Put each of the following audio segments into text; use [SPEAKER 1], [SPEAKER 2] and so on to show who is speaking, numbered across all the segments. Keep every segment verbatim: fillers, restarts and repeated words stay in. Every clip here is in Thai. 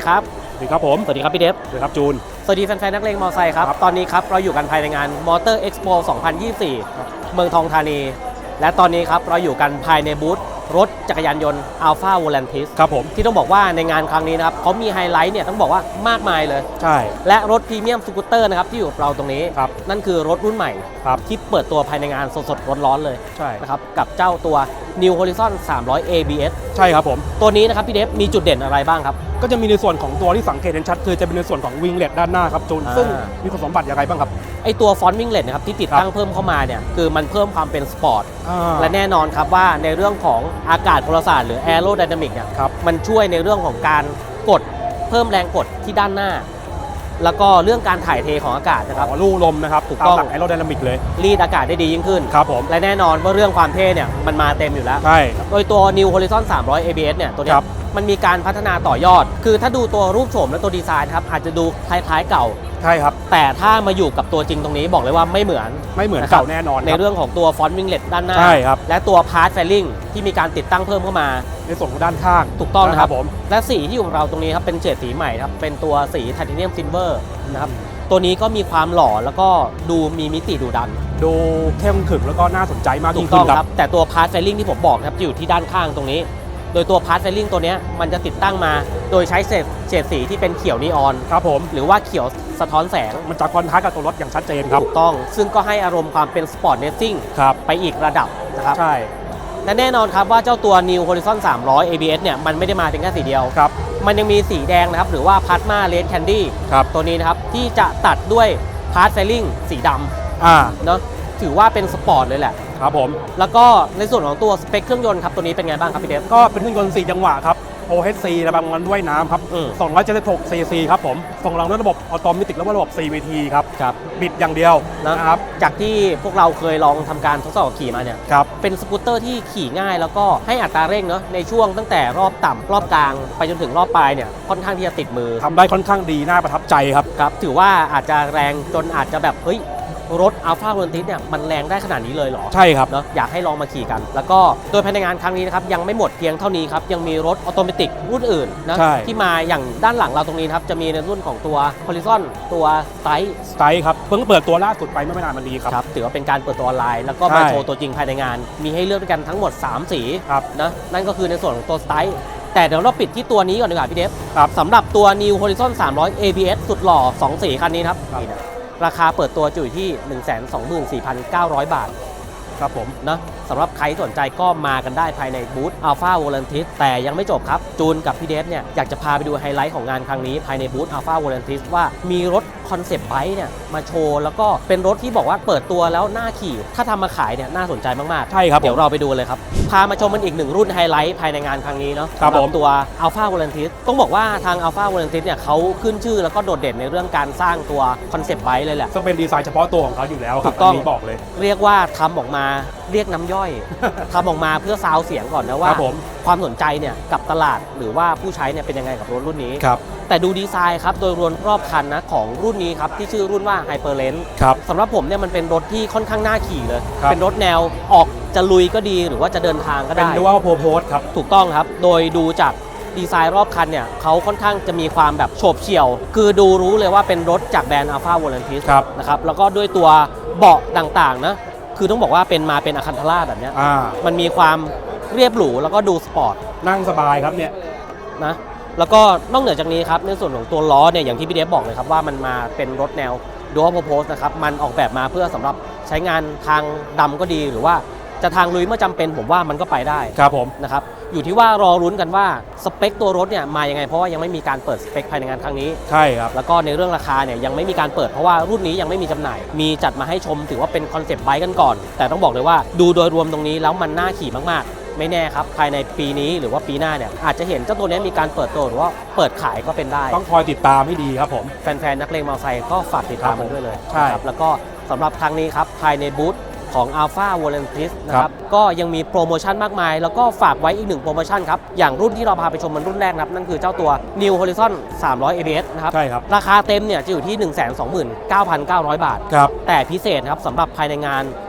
[SPEAKER 1] ครับ
[SPEAKER 2] สวัสดีครับผม
[SPEAKER 1] สวัสดีครับพี่เดฟ
[SPEAKER 2] สวัสดีครับจูน
[SPEAKER 1] สวัสดีแฟนๆนักเลงมอเตอร์ไซค์ครับตอนนี้ครับเราอยู่กันภายในงาน Motor Expo สองพันยี่สิบสี่เมืองทองธานีและตอนนี้ครับเราอยู่กันภายในบูธรถจักรยานยนต์ Alpha Volantis
[SPEAKER 2] ครับผม
[SPEAKER 1] ที่ต้องบอกว่าในงานครั้งนี้นะครับเขามีไฮไลท์เนี่ยต้องบอกว่ามากมายเลย
[SPEAKER 2] ใช่
[SPEAKER 1] และรถพรีเมียมสกูตเตอร์นะครับที่อยู่กับเราตรงนี้
[SPEAKER 2] ครับ
[SPEAKER 1] นั่นคือรถรุ่นใหม่
[SPEAKER 2] ครับ
[SPEAKER 1] ที่เปิดตัวภายในงานสดๆร้อนๆเลย
[SPEAKER 2] ใช่
[SPEAKER 1] นะครับกับเจ้าตัว New Horizon สามร้อย เอ บี เอส
[SPEAKER 2] ใช่ครับผม
[SPEAKER 1] ตัวนี้นะครับพี่เดฟมีจุดเด่นอะไรบ้างครับ
[SPEAKER 2] ก็จะมีในส่วนของตัวที่สังเกตเห็นชัดคือจะเป็นในส่วนของวิงเล็ตด้านหน้าครับจูนซึ่งมีคุณสมบัติอย่างไรบ้างครับ
[SPEAKER 1] ไอตัวฟอนต์วิงเล็ตนะครับที่ติดตั้งเพิ่มเข้ามาเนี่ยคือมันเพิ่มความเป็นสปอร์ตและแน่นอนครับว่าในเรื่องของอากาศพลศาสตร์หรือแอโรไดนามิกเนี่ยมันช่วยในเรื่องของการกดเพิ่มแรงกดที่ด้านหน้าแล้วก็เรื่องการถ่ายเทของอากาศนะครับ
[SPEAKER 2] ลู่ลมนะครับ
[SPEAKER 1] ถูกต้อง
[SPEAKER 2] แอโรไดนามิกเลย
[SPEAKER 1] รีดอากาศได้ดียิ่งขึ้น
[SPEAKER 2] ครับผม
[SPEAKER 1] และแน่นอนว่าเรื่องความเท่เนี่ยมันมาเต็มอยู่แล้ว
[SPEAKER 2] ใช่
[SPEAKER 1] โดยตัว New Horizon สามร้อย เอ บี เอส เนี่ยตัวนี้มันมีการพัฒนาต่อยอดคือถ้าดูตัวรูปโฉมและตัวดีไซน์ครับอาจจะดูคล้ายๆเก่า
[SPEAKER 2] ใช่ครับ
[SPEAKER 1] แต่ถ้ามาอยู่กับตัวจริงตรงนี้บอกเลยว่าไม่เหมือน
[SPEAKER 2] ไม่เหมือนเก่าแน่นอน
[SPEAKER 1] ในเรื่องของตัวฟอนต์วิงเล็ตด้านหน้า
[SPEAKER 2] ใช่ครับ
[SPEAKER 1] และตัวพาร์ทแฟลลิ่งที่มีการติดตั้งเพิ่มเข้ามา
[SPEAKER 2] ในส่วนของด้านข้าง
[SPEAKER 1] ถูกต้องนะครับ
[SPEAKER 2] ผม
[SPEAKER 1] และสีที่อยู่ของเราตรงนี้ครับเป็นเฉดสีใหม่ครับเป็นตัวสีไทเทเนียมซิลเวอร์นะครับตัวนี้ก็มีความหล่อแล้วก็ดูมีมิติดูดัน
[SPEAKER 2] ดูเข้มขึงแล้วก็น่าสนใจมาก
[SPEAKER 1] ยิ่งขึ้นครับแต่ตัวพาร์ทแฟลลิ่งที่ผมบอกครับจะอยู่ที่ด้านข้างตรงนี้โดยตัวพาร์ทแฟลลิ่งตัวนี้มันจะติดตั้งมาโดยใช้เฉดสีที่เป็นเขียวนีออน
[SPEAKER 2] ครับผม
[SPEAKER 1] หรือว่าเขียวสะท้อนแสง
[SPEAKER 2] มันจะคอนทราสต์กับตัวรถอย่างชัดเจนครับ
[SPEAKER 1] ถูกต้องซึ่งก็ให้อารมณ์ความเป็นสปอร์ตเนสซิ่งไปอีกระดับนะครับ
[SPEAKER 2] ใช่
[SPEAKER 1] และแน่นอนครับว่าเจ้าตัว New Horizon สามร้อย เอ บี เอส เนี่ยมันไม่ได้มาเพียงแค่สีเดียว
[SPEAKER 2] ครับ
[SPEAKER 1] มันยังมีสีแดงนะครับหรือว่า Plasma Red Candy
[SPEAKER 2] ครับ
[SPEAKER 1] ตัวนี้นะครับที่จะตัดด้วยพาร์ทไฟลิ่งสีด
[SPEAKER 2] ำอ่า
[SPEAKER 1] เนาะถือว่าเป็นสปอร์ตเลยแหละ
[SPEAKER 2] ครับผม
[SPEAKER 1] แล้วก็ในส่วนของตัวสเปคเครื่องยนต์ครับตัวนี้เป็นไงบ้างครับพี่เดฟ
[SPEAKER 2] ก็เป็นเครื่องยนต์สี่จังหวะครับ โอ เอช ซี ระบายความด้วยน้ำครับสองร้อยเจ็ดสิบหกซีซีครับผมส่งรองด้วยระบบออโตเมติกแล้วก็ระบบ ซี วี ที ครับ
[SPEAKER 1] ครับ
[SPEAKER 2] บิดอย่างเดียวนะครับ
[SPEAKER 1] จากที่พวกเราเคยลองทำการทดสอบขี่มาเนี่ย
[SPEAKER 2] ครับ
[SPEAKER 1] เป็นสกูตเตอร์ที่ขี่ง่ายแล้วก็ให้อัตราเร่งเนาะในช่วงตั้งแต่รอบต่ำรอบกลางไปจนถึงรอบปลายเนี่ยค่อนข้างที่จะติดมือ
[SPEAKER 2] ทำได้ค่อนข้างดีน่าประทับใจครับ
[SPEAKER 1] ครับถือว่าอาจจะแรงจนอาจจะแบบเฮ้ยรถ Alpha Volantis เนี่ยมันแรงได้ขนาดนี้เลยเหรอ
[SPEAKER 2] ใช่ครับ
[SPEAKER 1] เนาะอยากให้ลองมาขี่กันแล้วก็โดยภายในงานครั้งนี้นะครับยังไม่หมดเพียงเท่านี้ครับยังมีรถออโตเมติกรุ่นอื่นนะที่มาอย่างด้านหลังเราตรงนี้ครับจะมีในรุ่นของตัว Horizon ตัว Style
[SPEAKER 2] Style ครับเพิ่งเปิดตัวล่าสุดไปเมื่อไม่นานมานี้ครับ
[SPEAKER 1] ครับถือว่าเป็นการเปิดตัวออนไลน์แล้วก็มาโชว์ตัวจริงภายในงานมีให้เลือกด้วยกันทั้งหมดสามสีนะนั่นก็คือในส่วนของตัว Style แต่เดี๋ยวเราปิดที่ตัวนี้ก่อนดีกว่าพี่เดฟสำหรับตัว New Horizon สามร้อย เอ บี เอส สุดหล่อสองสีคันนี้ครับราคาเปิดตัวอยู่ที่ หนึ่งแสนสองหมื่นสี่พันเก้าร้อย บาท
[SPEAKER 2] ครับผม
[SPEAKER 1] นะสำหรับใครสนใจก็มากันได้ภายในบูธ Alpha Volantis แต่ยังไม่จบครับจูนกับพี่เดฟเนี่ยอยากจะพาไปดูไฮไลท์ของงานครั้งนี้ภายในบูธ Alpha Volantis ว่ามีรถคอนเซปต์ไบค์เนี่ยมาโชว์แล้วก็เป็นรถที่บอกว่าเปิดตัวแล้วน่าขี่ถ้าทำมาขายเนี่ยน่าสนใจมากๆ
[SPEAKER 2] ใช่ครับ
[SPEAKER 1] เดี๋ยวเราไปดูเลยครับพามาชมมันอีกหนึ่งรุ่นไฮไลท์ภายในงานครั้งนี้เนาะ
[SPEAKER 2] สำหรับ
[SPEAKER 1] ตัว Alpha Volantis ต้องบอกว่าทาง Alpha Volantis เนี่ยเขาขึ้นชื่อแล้วก็โดดเด่นในเรื่องการสร้างตัวคอนเซปต์ไบค์เลยแหละ
[SPEAKER 2] ซึ่งเป็นดีไซน์เฉพาะตัวของเขาอยู่แล้วครับ
[SPEAKER 1] ต้อง
[SPEAKER 2] บอกเลย
[SPEAKER 1] เรียกว่าทำออกมาเรียกน้ำย่อย ทำออกมาเพื่อซาวเสียงก่อนนะว่าความสนใจเนี่ยกับตลาดหรือว่าผู้ใช้เนี่ยเป็นยังไงกับรถรุ่นนี้
[SPEAKER 2] ครับ
[SPEAKER 1] แต่ดูดีไซน์ครับโดยรวมรอบคันนะของรุ่นนี้ครับที่ชื่อรุ่นว่า Hyperlens
[SPEAKER 2] ครับ
[SPEAKER 1] สำหรับผมเนี่ยมันเป็นรถที่ค่อนข้างน่าขี่เลยเป็นรถแนวออกจะลุยก็ดีหรือว่าจะเดินทางก็ได้
[SPEAKER 2] เป็น Dual Purpose ครับ
[SPEAKER 1] ถูกต้องครับโดยดูจากดีไซน์รอบคันเนี่ยเขาค่อนข้างจะมีความแบบโฉบเฉี่ยวคือดูรู้เลยว่าเป็นรถจากแบรนด์ Alpha Volantis นะครับแล้วก็ด้วยตัวเบาะต่างๆนะคือต้องบอกว่าเป็นมาเป็นอะคันธาราแบบนี้มันมีความเรียบหรูแล้วก็ดูสปอร์ต
[SPEAKER 2] นั่งสบายครับเนี่ย
[SPEAKER 1] นะแล้วก็นอกเหนือจากนี้ครับในส่วนของตัวล้อเนี่ยอย่างที่พี่เดฟบอกเลยครับว่ามันมาเป็นรถแนว Dual Purpose นะครับมันออกแบบมาเพื่อสำหรับใช้งานทางดำก็ดีหรือว่าจะทางลุยเมื่อจำเป็นผมว่ามันก็ไปได้
[SPEAKER 2] ครับผม
[SPEAKER 1] นะครับอยู่ที่ว่ารอรุ้นกันว่าสเปคตัวรถเนี่ยมายังไงเพราะว่ายังไม่มีการเปิดสเปคภายในงานครั้งนี้
[SPEAKER 2] ใช่ครับ
[SPEAKER 1] แล้วก็ในเรื่องราคาเนี่ยยังไม่มีการเปิดเพราะว่ารุ่นนี้ยังไม่มีจำหน่ายมีจัดมาให้ชมถือว่าเป็นคอนเซปต์ไบค์กันก่อนแต่ต้องบอกเลยว่าดูโดยรวมตรงนี้แล้วมันน่าขี่มากๆไม่แน่ครับภายในปีนี้หรือว่าปีหน้าเนี่ยอาจจะเห็นเจ้าตัวนี้มีการเปิดตัวหรือว่าเปิดขายก็เป็นได้
[SPEAKER 2] ต้องคอยติดตามให้ดีครับผม
[SPEAKER 1] แฟนๆนักเลงมอเตอร์ไซค์ก็ฝากติดตามมันด้วยเลย
[SPEAKER 2] ใช่
[SPEAKER 1] ครับแล้วก็สำหรับครั้งนี้ครับภายในบูธของ Alpha Volantis นะครับก็ยังมีโปรโมชั่นมากมายแล้วก็ฝากไว้อีกหนึ่งโปรโมชั่นครับอย่างรุ่นที่เราพาไปชมมันรุ่นแรกนะครับนั่นคือเจ้าตัว New Horizon สามร้อย เอ บี เอส นะครับ
[SPEAKER 2] ใช่ครับ
[SPEAKER 1] ราคาเต็มเนี่ยจะอยู่ที่ หนึ่งแสนสองหมื่นเก้าพันเก้าร้อย บาท
[SPEAKER 2] ครับ
[SPEAKER 1] แต่พิเศษครับสำหรับภายในงาน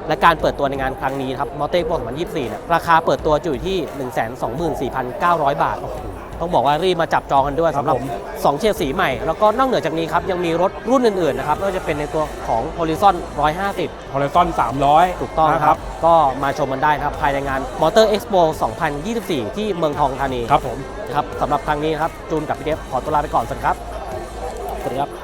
[SPEAKER 1] และการเปิดตัวในงานครั้งนี้ครับ Motor Expo สองพันยี่สิบสี่เนี่ยราคาเปิดตัวจะอยู่ที่ หนึ่งแสนสองหมื่นสี่พันเก้าร้อย บาท ต้องบอกว่ารีบมาจับจองกันด้วย
[SPEAKER 2] ครับ
[SPEAKER 1] สำหรับ
[SPEAKER 2] ผม
[SPEAKER 1] สองเฉดสีใหม่ แล้วก็นอกเหนือจากนี้ครับยังมีรถรุ่นอื่นๆนะครับไม่ว่าจะเป็นในตัวของ Horizon หนึ่งร้อยห้าสิบ
[SPEAKER 2] Horizon สามร้อย
[SPEAKER 1] ถูกต้อง
[SPEAKER 2] นะ
[SPEAKER 1] ค
[SPEAKER 2] ค
[SPEAKER 1] รั
[SPEAKER 2] รั
[SPEAKER 1] บบ ก็มาชมกันได้ครับภายในงาน Motor Expo สองพันยี่สิบสี่ ที่เมืองทองธานี
[SPEAKER 2] ครับผม
[SPEAKER 1] ครับสำหรับครั้งนี้ครับจูนกับพี่เดฟขอตัวลาไปก่อนสวัสดีครับสวัสดีครับ